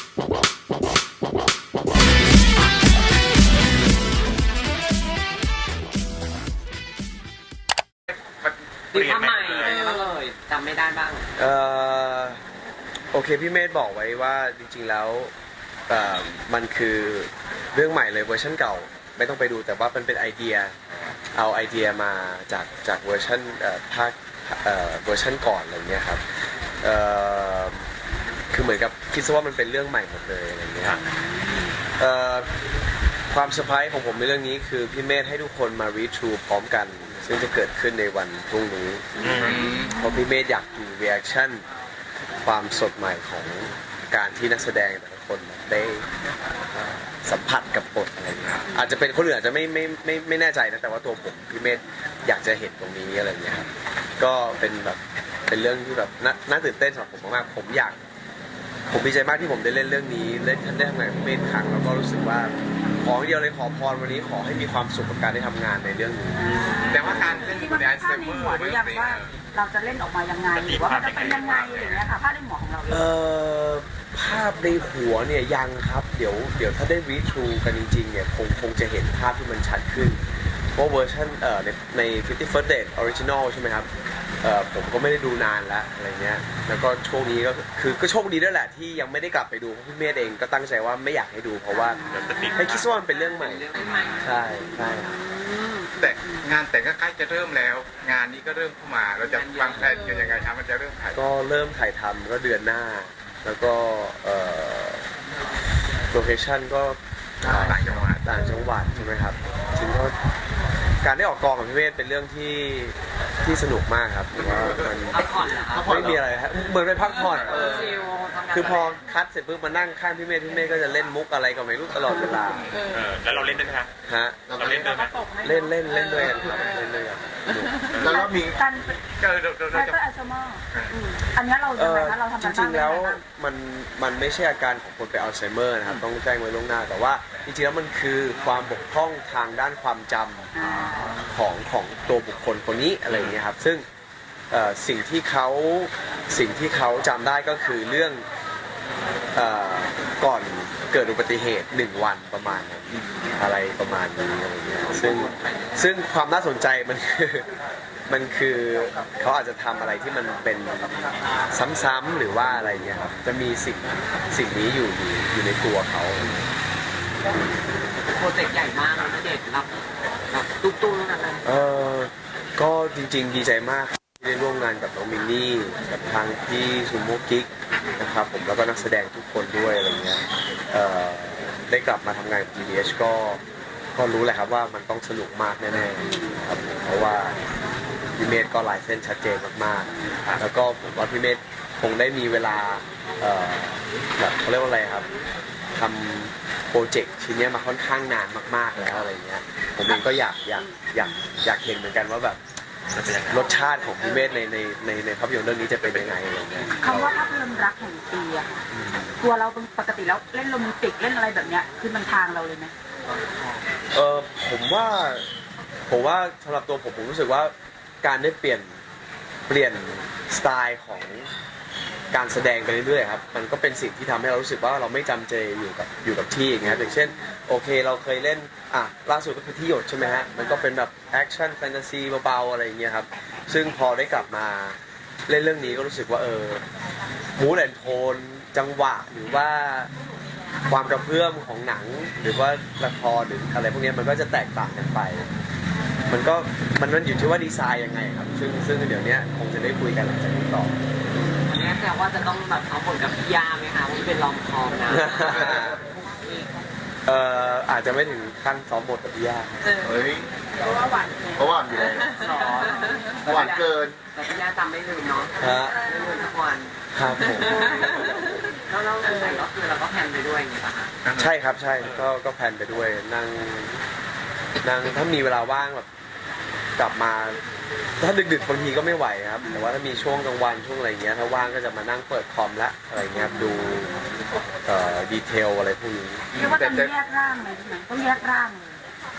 ดีทำใหม่ก็เลยจำไม่ได้บ้างโอเคพี่เมธบอกไว้ว่าจริงๆแล้วมันคือเรื่องใหม่เลยเวอร์ชันเก่าไม่ต้องไปดูแต่ว่ามันเป็นไอเดียเอาไอเดียมาจากเวอร์ชันภาคเวอร์ชันก่อนอะไรเงี้ยครับคือเหมือนกับคิดซะว่ามันเป็นเรื่องใหม่หมดเลยอะไรเงี้ยความเซอร์ไพรส์ของผมในเรื่องนี้คือพี่เมธให้ทุกคนมารีทรูพร้อมกันซึ่งจะเกิดขึ้นในวันพรุ่งนี้เพราะพี่เมธอยากดูรีแอคชั่นความสดใหม่ของการที่นักแสดงแต่ละคนได้สัมผัสกับบทอะไรเงี้ยอาจจะเป็นคนอื่นอาจจะไม่แน่ใจนะแต่ว่าตัวผมพี่เมธอยากจะเห็นตรงนี้อะไรเงี้ยครับก็เป็นแบบเป็นเรื่องที่แบบน่าตื่นเต้นสำหรับผมมากๆผมดีใจมากที่ผมได้เล่นเรื่องนี้ได้ทำงานกับพี่เมธครั้งแล้วก็รู้สึกว่าขอเดียวเลยขอพรวันนี้ขอให้มีความสุขกับการได้ทำงานในเรื่องนี้แต่ว่าการเล่นที่มันภาพในหัวหรือยังว่าเราจะเล่นออกมายังไงหรือว่ามันจะเป็นยังไงอย่างเงี้ยค่ะภาพในหัวของเราภาพในหัวเนี่ยยังครับเดี๋ยวถ้าได้รีทรูกันจริงๆเนี่ยคงจะเห็นภาพที่มันชัดขึ้นเพราะเวอร์ชันใน 50 First Date Original ใช่ไหมครับผมก็ไม่ได้ดูนานแล้วอะไรเงี้ยแล้วก็ช่วงนี้ก็โชคดีด้วยแหละที่ยังไม่ได้กลับไปดูเพราะพี่เมธเองก็ตั้งใจว่าไม่อยากให้ดูเพราะว่าให้คิดว่ามันเป็นเรื่องใหม่ใช่แต่งานแต่งก็ใกล้จะเริ่มแล้วงานนี้ก็เริ่มเข้ามาเราจะวางแผนกันยังไงครับมันจะเริ่มถ่ายก็เริ่มถ่ายทำก็เดือนหน้าแล้วก็โลเคชั่นก็ต่างจังหวัดใช่ไหมครับจริงก็การได้ออกกองกับพี่เมธเป็นเรื่องที่สนุกมากครับว่ามันไม่มีอะไรครับเหมือนไปพักผ่อนคือพอคัดเสร็จปุ๊บมานั่งข้างพี่เมธก็จะเล่นมุกอะไรก็ไม่รู้ตลอดเวลาแล้วเราเล่นด้วยไหมครับเราเล่นด้วยไหมเล่นด้วยกันครับเล่นด้วยกันแล้วเรามีการเปิดอัลไซเมอร์อันนี้เราจะเราทำจริงๆแล้วมันไม่ใช่อาการของคนเป็นอัลไซเมอร์นะครับต้องแจ้งไว้ล่วงหน้าแต่ว่าจริงๆแล้วมันคือความบกพร่องทางด้านความจำของตัวบุคคลคนนี้อะไรอย่างเงี้ยครับซึ่งสิ่งที่เขาจำได้ก็คือเรื่องก่อนเกิดอุบัติเหตุ1 วันประมาณอะไรประมาณนี้อะไรเงี้ยซึ่งความน่าสนใจมันคือเขาอาจจะทำอะไรที่มันเป็นซ้ำๆหรือว่าอะไรเงี้ยครับจะมีสิ่งนี้อยู่ในตัวเขาโปรเจกต์ใหญ่มากนะเด็กรับตุ้มๆแล้วนะก็จริงๆดีใจมากที่ได้ร่วมงานกับน้องมินนี่กับทางพี่ซูโม่กิ๊กนะครับผมแล้วก็นักแสดงทุกคนด้วยอะไรเงี้ยได้กลับมาทำงานกับ GDH ก็รู้แหละครับว่ามันต้องสนุกมากแน่ๆครับเพราะว่าพี่เมธก็ลายเส้นชัดเจนมากๆแล้วก็ผมว่าพี่เมธคงได้มีเวลาแบบเขาเรียกว่าอะไรครับทำโปรเจกต์ชิ้นนี้มาค่อนข้างนานมากๆแล้วอะไรเงี้ยผมเองก็อยากเห็นเหมือนกันว่าแบบรสชาติของพี่เมธในภาพยนตร์เรื่องนี้จะเป็นยังไงอะไรเงี้ยคำว่าภาพยนตร์รักแห่งปีอะค่ะตัวเราปกติแล้วเล่นโรแมนติกเล่นอะไรแบบเนี้ยคือมันทางเราเลยไหมผมว่าสำหรับตัวผมรู้สึกว่าการได้เปลี่ยนสไตล์ของการแสดงไปเรื่อยๆครับมันก็เป็นสิ่งที่ทำให้เรารู้สึกว่าเราไม่จำเจอยู่กับที่อย่างเงี้ยอย่างเช่นโอเคเราเคยเล่นล่าสุดก็คือที่หยดใช่ไหมฮะมันก็เป็นแบบแอคชั่นแฟนตาซีเบาๆอะไรอย่างเงี้ยครับซึ่งพอได้กลับมาเล่นเรื่องนี้ก็รู้สึกว่ามูดแอนโทนจังหวะหรือว่าความกระเพื่อมของหนังหรือว่าละครหรืออะไรพวกนี้มันก็จะแตกต่างกันไปมันอยู่ที่ว่าดีไซน์ยังไงครับซึ่งเดี๋ยวนี้คงจะได้คุยกันหลังจากนี้ต่อนี่แปลว่าจะต้องแบบเอาผลกับพี่ยาไหมคะมันเป็นลองคอมนะอาจจะไม่ถึงขั้นซ้อมบทกับพี่ยาเพราะว่าหวานอยู่เลยหวานเกินแต่พี่ยาจำไม่ลืมเนาะไม่ลืมสักวันครับผมแล้วเราก็คือเราก็แพนไปด้วยอย่างเงี้ยป่ะคะใช่ครับใช่ก็แพนไปด้วยนั่งถ้ามีเวลาว่างแบบกลับมาถ้าดึกๆบางทีก็ไม่ไหวครับแต่ว่าถ้ามีช่วงกลางวันช่วงอะไรเงี้ยถ้าว่างก็จะมานั่งเปิดคอมละอะไรเงี้ยดูดีเทลอะไรพวกนี้เรียกว่าต้องแยกร่างเลยใช่ไหมต้องแยกร่างเลย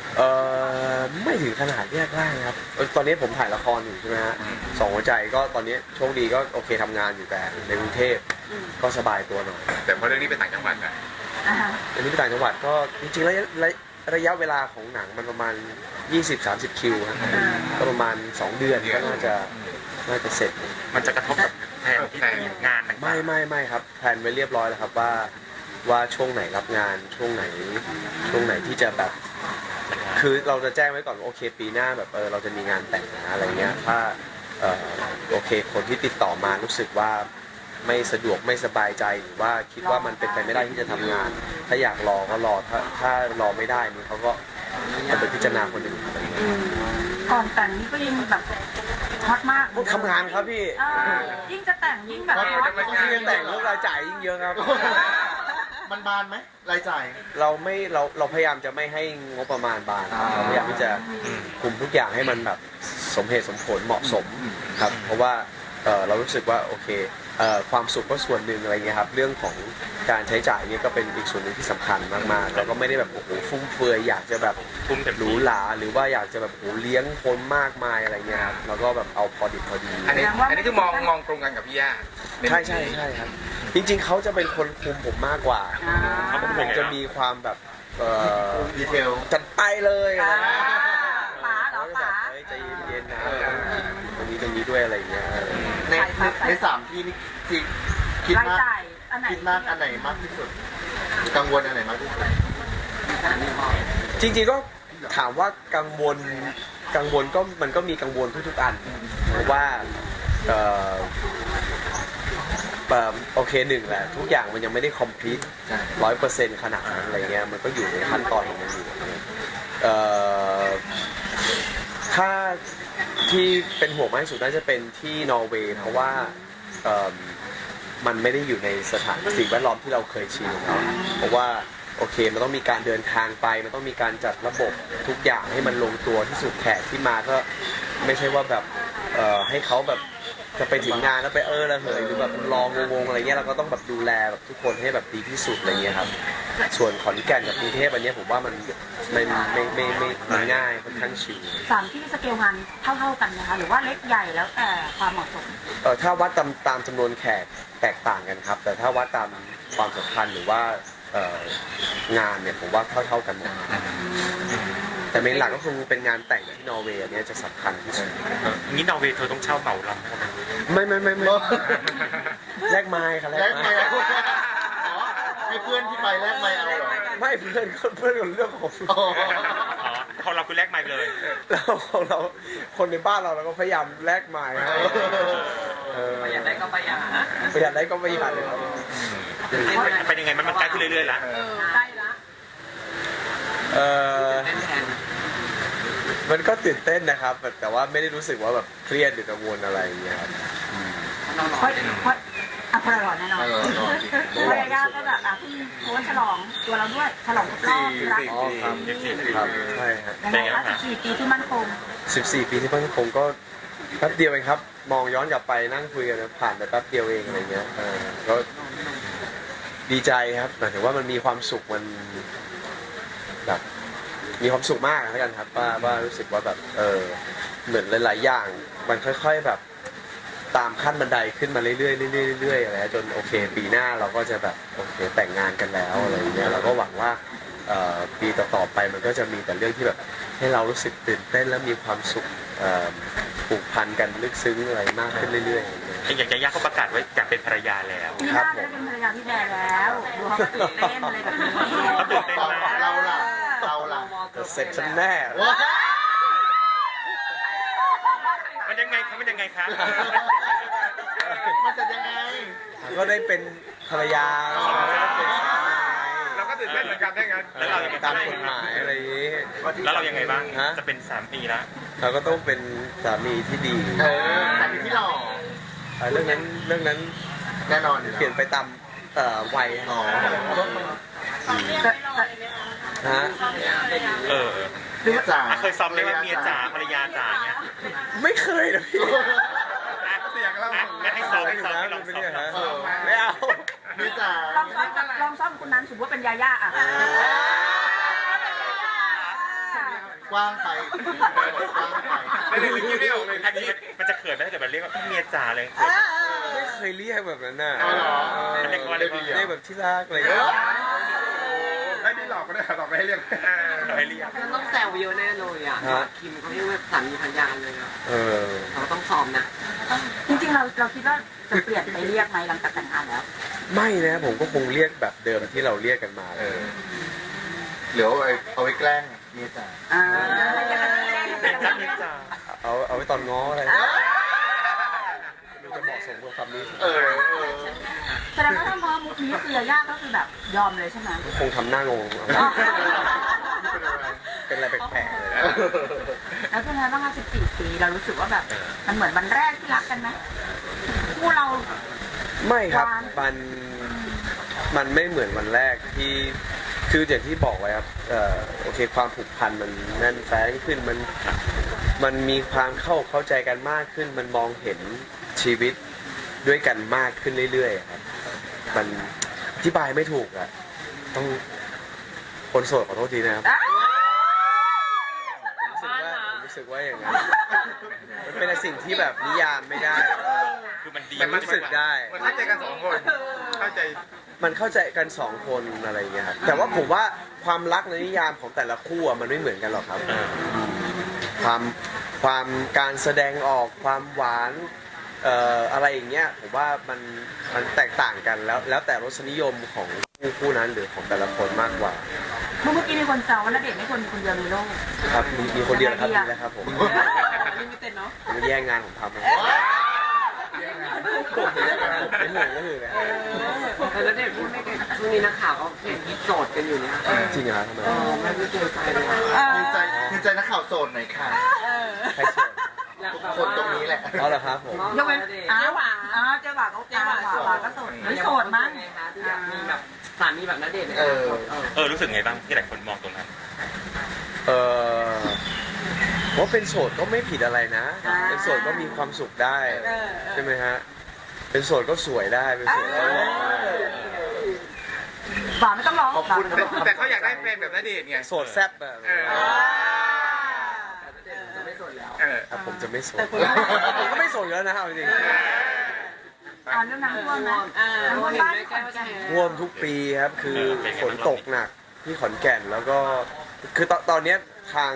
ไม่ถึงขนาดแยกร่างครับตอนนี้ผมถ่ายละครอยู่ใช่ไหมฮะสองหัวใจก็ตอนนี้โชคดีก็โอเคทำงานอยู่แต่ในกรุงเทพก็สบายตัวหน่อยแต่พอเรื่องนี้ไปต่างจังหวัดนะอันนี้ไปต่างจังหวัดก็จริงๆแล้วระยะเวลาของหนังมันประมาณ 20-30 คิวครับก็ประมาณ 2 เดือนก็น่าจะเสร็จมันจะกระทบกับแผนที่งานต่างๆไม่ครับแพลนไว้เรียบร้อยแล้วครับว่าช่วงไหนรับงานช่วงไหนที่จะแบบคือเราจะแจ้งไว้ก่อนว่าโอเคปีหน้าแบบเราจะมีงานแต่งนะอะไรเงี้ยถ้าโอเคคนที่ติดต่อมารู้สึกว่าไม่สะดวกไม่สบายใจหรือว่าคิดว่ามันเป็นไปไม่ได้ที่จะทำงาน ถ้าอยากรอก็รอถ้ารอไม่ได้นี่เขาก็จะไปพิจารณาคนอื่นอะไรเงี้ยก่อนแต่งนี่ก็ยังแบบฮอตมากทำงานครับพี่ยิ่งจะแต่งยิ่งแบบฮอตยิ่งแต่งเรื่องรายจ่ายยิ่งเยอะครับมันบานไหมรายจ่ายเราพยายามจะไม่ให้งบประมาณบานครับเราพยายามที่จะคุมทุกอย่างให้มันแบบสมเหตุสมผลเหมาะสมครับเพราะว่าเรารู้สึกว่าโอเคความสุขก็ส่วนหนึ่งอะไรเงี้ยครับเรื่องของการใช้จ่ายเนี่ยก็เป็นอีกส่วนหนึ่งที่สำคัญมากๆเราก็ไม่ได้แบบโอ้โหฟุ่มเฟือยอยากจะแบบทุ่มเต็มหรูที่หราหรือว่าอยากจะแบบโอ้โหเลี้ยงคนมากมายอะไรเงี้ยครับเราก็แบบเอาพอดิบพอดีอันนี้คือมองตรงกันกับพี่ย่าใช่ครับจริงๆเขาจะเป็นคนคุมผมมากกว่าผมจะมีความแบบดีเทลจัดไปเลยอะไรเงี้ยป๋าเหรอป๋าเฮ้ยใจเย็นๆนะตรงนี้ด้วยอะไรเงี้ยในสามที่นี่คิดรายมากจ่ายอันไหนคิดมากอันไหนมากที่สุด กังวลอันไหนมากที่สุดจริงๆก็ถามว่ากังวลก็มันก็มีกังวลทุกๆอันเพราะว่าโอเคหนึ่งแหละทุกอย่างมันยังไม่ได้คอมพลีท100%ขนาดนั้นอะไรเงี้ยมันก็อยู่ในขั้นตอนของมันอยู่ถ้าที่เป็นห่วงมากที่สุดน่าจะเป็นที่นอร์เวย์เพราะว่ามันไม่ได้อยู่ในสถานสิ่งแวดล้อมที่เราเคยชินครับเพราะว่าโอเคมันต้องมีการเดินทางไปมันต้องมีการจัดระบบทุกอย่างให้มันลงตัวที่สุดแขกที่มาก็ไม่ใช่ว่าแบบให้เขาแบบจะไปถึงงานแล้วไประเหยหรือแบบรองงอะไรเงี้ยเราก็ต้องแบบดูแลแบบทุกคนให้แบบดีที่สุดอะไรเงี้ยครับส่วนขอนแก่นกับกรุงเทพอันนี้ผมว่ามันไม่ง่ายค่อนข้างชิลสามที่สเกลงานเท่าๆกันนะคะหรือว่าเล็กใหญ่แล้วแต่ความเหมาะสมถ้าวัดตามจำนวนแขกแตกต่างกันครับแต่ถ้าวัดตามความสำคัญหรือว่างานเนี่ยผมว่าเท่ากันหมดแต่เมนหลักก็คงเป็นงานแต่งที่นอร์เวย์เนี่ยจะสำคัญที่สุดงี้นอร์เวย์เธอต้องเช่าเหมาลำให้เขาไหมไม่แลกไม้ครับแลกไมค์อ๋อให้เพื่อนที่ไปแลกไมค์เอาเหรอไม่เพื่อนเรื่องของอ๋ออ๋อของเราคือแลกไมค์เลยเราคนในบ้านเราก็พยายามแลกไม้ครับประหยัดได้ก็ประหยัดนะประหยัดได้ก็ประหยัดเลยครับเป็นยังไงมันใกล้ขึ้นเรื่อยๆละใกล้ละเล่นแทนมันก็ตื่นเต้นนะครับแต่ว่าไม่ได้รู้สึกว่าแบบเครียดหรือกังวลอะไรอย่างเงี้ยครับน้องเพราะพลอยแน่นอนพยายามก็แบบเพิ่งโพสฉลองตัวเราด้วยฉลองครบรอบรักอ๋อครับครับใช่ครับยังไงคะ14 ปีที่มั่นคง 14 ปีที่มั่นคงก็แป๊บเดียวเองครับมองย้อนกลับไปนั่งคุยกันผ่านไปแป๊บเดียวเองอะไรเงี้ยก็ดีใจครับหมายถึงว่ามันมีความสุขมันแบบมีความสุขมากแล้วกันครับว่ารู้สึกว่าแบบเหมือนหลายๆอย่างมันค่อยๆแบบตามขั้นบันไดขึ้นมาเรื่อยๆเรื่อยๆอะไรจนโอเคปีหน้าเราก็จะแบบโอเคแต่งงานกันแล้วอะไรเงี้ยเราก็หวังว่าปีต่อๆไปมันก็จะมีแต่เรื่องที่แบบให้เรารู้สึกตื่นเต้นและมีความสุขผูกพันกันลึกซึ้งอะไรมากขึ้นเรื่อยๆอย่างยาย่าเขาประกาศว่าอยากเป็นภรรยาแล้วพี่ย่าได้เป็นภรรยาพี่แบร์แล้วดูเขาตื่นเต้นอะไรแบบนี้เขาตื่นเต้นมากเราล่ะเสร็จฉันแน่ว้ามันยังไงคะมันยังไงคะมันจะยังไงก็ได้เป็นภรรยาเป็นสามีเราก็ตื่นเต้นเหมือนกันได้งั้นแล้วเรายังไงตามกฎหมายอะไรอย่างนี้แล้วเรายังไงบ้างฮะจะเป็น3 ปีแล้วเราก็ต้องเป็นสามีที่ดีสามีที่หล่อเรื่องนั้นแน่นอนอยู่เปลี่ยนไปตามวัยอ๋อฮะหรือจ๋าเคยซ้อมได้ว่าเมียจ๋าภรรยาจ๋าเงี้ยไม่เคยนะพี่เสียงเรางั้นให้ซ้อมให้ลองซ้อมไม่เอาหรือจ๋าลองซ้อมคุณนั้นสมมติว่าเป็นยาย่าอ่ะกว้างไปกว้างไปไม่ได้คิดไม่ออกเลยทันทีมันจะเขินไหมถ้าเกิดมันเรียกว่าเมียจ๋าเลยไม่เคยเรียกแบบนั้นน่ะเอาเหรอเรียกว่าอะไรเรียกแบบที่รักอะไรอย่างเงี้ยไม่ได้หลอกก็ได้หลอกไม่ให้เรียกเราให้เรียกมันต้องแซวเยอะแน่เลยอ่ะคิมเขาเรียกว่าสามีภรรยาเลยอ่ะเออเราต้องซ้อมนะจริงๆเราคิดว่าจะเปลี่ยนไปเรียกไหมหลังจากแต่งงานแล้วไม่นะผมก็คงเรียกแบบเดิมที่เราเรียกกันมาเหลือเอาไว้แกล้งเมียจ๋าเป็นจ้าเมียจ๋าเอาไว้ตอนง้ออะไรมันจะเหมาะสมกับคำนี้แสดงว่าถ้าพอมุกนี้คือยาย่าก็คือแบบยอมเลยใช่ไหมคงทำหน้างงเป็นอะไรแปลกๆเลยแล้วเป็นไงบ้างคะ14 ปีเรารู้สึกว่าแบบมันเหมือนวันแรกที่รักกันไหมคู่เราไม่ครับหวานมันไม่เหมือนวันแรกที่คืออย่างที่บอกไว้ครับโอเคความผูกพันมันแน่นแฟ้นขึ้นมันมีความเข้าใจกันมากขึ้นมันมองเห็นชีวิตด้วยกันมากขึ้นเรื่อยๆครับมันอธิบายไม่ถูกอะต้องคนโสดขอโทษทีนะครับผมรู้สึกว่าอย่างนั้นมันเป็นสิ่งที่แบบนิยามไม่ได้คือมันดีแต่มันรู้สึกได้มันเข้าใจกันสองคนเข้าใจมันเข้าใจกันสองคนอะไรอย่างเงี้ยครับแต่ว่าผมว่าความรักในนิยามของแต่ละคู่อะมันไม่เหมือนกันหรอกครับความการแสดงออกความหวานอะไรอย่างเงี้ยผมว่ามันแตกต่างกันแล้วแต่รสนิยมของคู่นั้นหรือของแต่ละคนมากกว่าเมื่อกี้มีคนแซวว่าณเดชน์ไม่คนเดียวในโลกครับมีคนเดียวครับนี่แหละครับผมลิมิเต็ดเนาะมันแย่งงานผมทำนะไม่เหมือนก็คือนะแต่แล้วเด็กพูดไม่เก่งช่วงนี้นักข่าวก็เห็นโจทย์กันอยู่เนี่ยจริงเหรอครับทำไมไม่เจอใจเลยดีใจนักข่าวโสดหน่อยค่ะใครเชื่อคนตรงนี้แหละเอาเหรอครับผมยกเว้นเจ๊หวานเจ๊หวานก็โสดไม่โสดมั้งไงคะที่อยากมีแบบสามีแบบณเดชน์รู้สึกไงบ้างที่หลายคนมองตรงนั้นว่าเป็นโสดก็ไม่ผิดอะไรนะ เป็นโสดก็มีความสุขได้ใช่ไหมฮะเป็นโสดก็สวยได้เป็นโสดก็หล่อได้หวานไม่ต้องร้องขอบคุณแต่เขาอยากได้แฟนแบบณเดชน์ไงโสดแซ่บแบบจะไม่สนแล้วครับผมจะไม่โสดผมก็ไม่โสดอยู่แล้วนะเอาจริงเรื่องน้ำท่วมนะเราน้ำท่วมเห็นบ้านไหมแก้วแชร์ท่วมทุกปีครับคือฝนตกหนักที่ขอนแก่นแล้วก็คือตอนเนี้ยทาง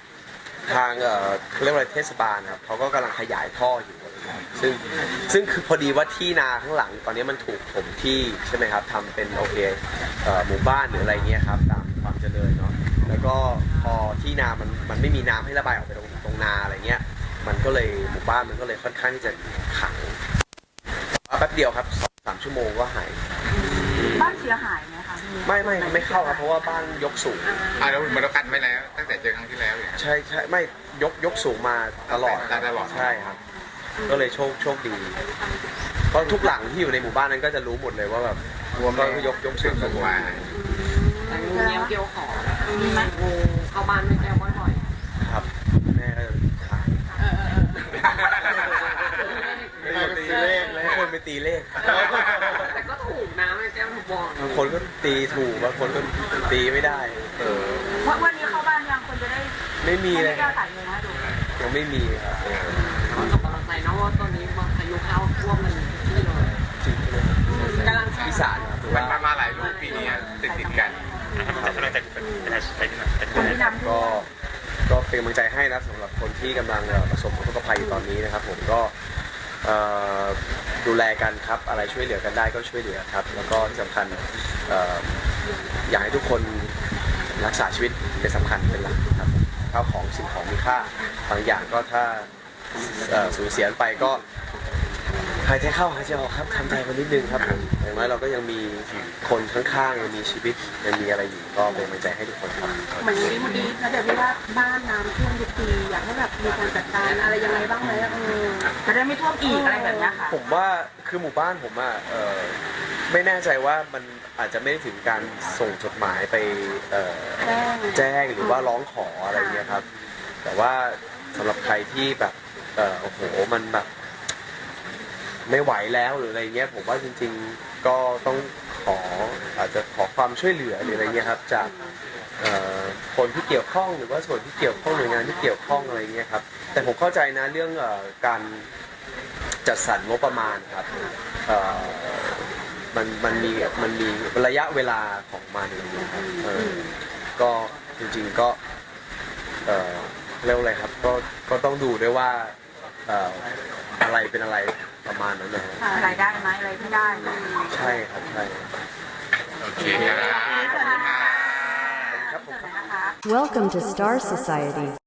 เขาเรียกว่าอะไรเทศบาลครับเขาก็กำลังขยายท่ออยู่ซึ่งคือพอดีว่าที่นาข้างหลังตอนนี้มันถูกถมที่ใช่ไหมครับทำเป็นโอเคหมู่บ้านหรืออะไรเงี้ยครับตามความเจริญเนาะแล้วก็พอที่นามันไม่มีน้ำให้ระบายออกไปตรงนาอะไรเงี้ยมันก็เลยหมู่บ้านมันก็เลยค่อนข้างที่จะขังแป๊บเดียวครับ2-3 ชั่วโมงก็หายบ้านเสียหายไหมคะไม่เข้าครับเพราะว่าบ้านยกสูงแล้วมันเรากันไว้แล้ว ตั้งแต่เจอครั้งที่แล้วอย่างใช่ไม่ยกสูงมาตลอดตลอดใช่ครับ ก็เลยโชคดี เพราะทุกหลังที่อยู่ในหมู่บ้านนั้นก็จะรู้หมดเลยว่าแบบก็คือยกสูงสุดว่าแต่งูเงี้ยวเกี้ยวขอมีไหมงูเข้าบ้านไม่แก้วบ่อยครับแม่ก็จะขาย คนไปตีเลขแต่ก็ถูกนะไม่แก้วถูกบอกบางคนก็ตีถูกบางคนก็ตีไม่ได้วันนี้เข้าบ้านยังคนจะได้ไม่มีเลยแก้วถ่ายเงินให้ดูยังไม่มีครับก็ส่งกำลังใจนะว่าตอนนี้พายุเข้าท่วมมันที่เลยจริงเลยกำลังอีสานครับถือมันว่ามาหลายรูปปีนี้ติดกันแต่กำลังใจไปที่ไหนคนที่นำท่วมก็เป็นกำลังใจให้นะสำหรับคนที่กำลังประสบอุทกภัยอยู่ตอนนี้นะครับผมก็ดูแลกันครับอะไรช่วยเหลือกันได้ก็ช่วยเหลือครับแล้วก็ที่สำคัญอยากให้ทุกคนรักษาชีวิตเป็นสำคัญเป็นหลักครับข้าวของสิ่งของมีค่าบางอย่างก็ถ้าสูญเสียไปก็หายใจเข้าหายใจออกครับทำใจกันนิดนึงครับผมอย่างน้อยเราก็ยังมีคนข้างๆยังมีชีวิตยังมีอะไรอยู่ก็เป็นกำลังใจให้ทุกคนครับเหมือนวันนี้นะเดี๋ยวพี่ว่าบ้านน้ำท่วมทุกปีอยากให้แบบมีการจัดการอะไรยังไงบ้างไหมจะได้ไม่ท่วมอีกอะไรแบบนี้ค่ะผมว่าคือหมู่บ้านผมอ่ะไม่แน่ใจว่ามันอาจจะไม่ได้ถึงการส่งจดหมายไปแจ้งหรือว่าร้องขออะไรเงี้ยครับแต่ว่าสำหรับใครที่แบบโอ้โหมันแบบไม่ไหวแล้วหรืออะไรเงี้ยผมว่าจริงๆก็ต้องอาจจะขอความช่วยเหลือหรืออะไรเงี้ยครับจากคนที่เกี่ยวข้องหรือว่าส่วนที่เกี่ยวข้องหน่วยงานที่เกี่ยวข้องอะไรเงี้ยครับแต่ผมเข้าใจนะเรื่องการจัดสรรงบประมาณครับมันมีระยะเวลาของมันอะไรเงี้ยครับก็จริงๆก็เรียกว่าอะไรครับก็ต้องดูด้วยว่าอะไรเป็นอะไรประมาณนั้นนะฮะอะไรได้ไหมอะไรไม่ได้ไหมใช่ครับใช่โอเคครับครับผมนะคะ Welcome to Star Society.